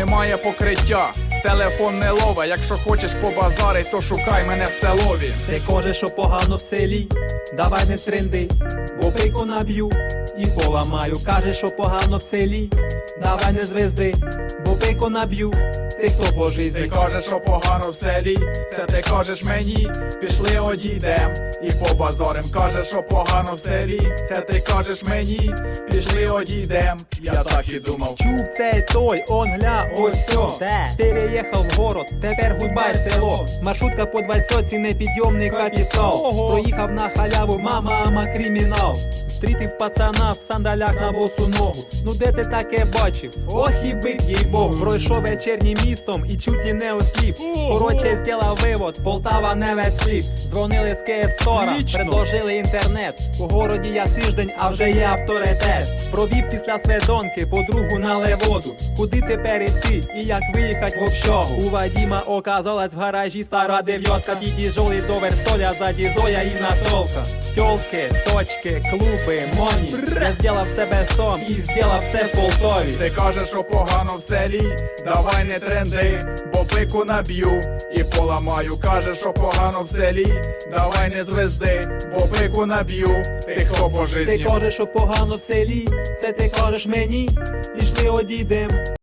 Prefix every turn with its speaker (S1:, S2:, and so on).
S1: немає покриття. Телефон не лове, якщо хочеш побазарить, то шукай мене в селові.
S2: Ти кажеш, що погано в селі, давай не тренди, бо пику наб'ю і поламаю. Кажеш, що погано в селі, давай не звезди, бо пику наб'ю. Ти хто по
S1: Ти
S2: житті?
S1: кажеш, що погано в селі, це ти кажеш мені, пішли одійдем і побазарим. Кажеш, що погано в селі, це ти кажеш мені, пішли одійдем. Я так і думав.
S2: Чув цей той, он гля, ось сьо. Переїхав в город, тепер гудбай село. Маршрутка по 20, непідйомний капітал. Проїхав на халяву, мама, кримінал. Стрітив пацана в сандалях на босу ногу. Ну де ти таке бачив? Ох і бик, їй Бог. Пройшов вечірнім містом і чуть і не осліп. Короче, зділав вивод, Полтава не весь світ. Дзвонили з Київстора, предложили інтернет. У городі я тиждень, а вже є авторитет. Провів після сведонки, подругу на леводу. Куди тепер іти і як виїхать в общагу? У Вадима оказалась в гаражі стара дев'ятка. Під'їжджали до Версоля, ззаді Зоя і Натолка. Тьолки, точки, клуби, моні. Я зділав себе сам і зділав це в Полтові.
S1: Ти кажеш, що погано в селі, давай не тренди, бо пику наб'ю і поламаю. Кажеш, що погано в селі, давай не звезди, бо пику наб'ю. Ти хто по
S2: Ти
S1: житті?
S2: кажеш, що погано в селі, це ти кажеш мені, пішли одійдем.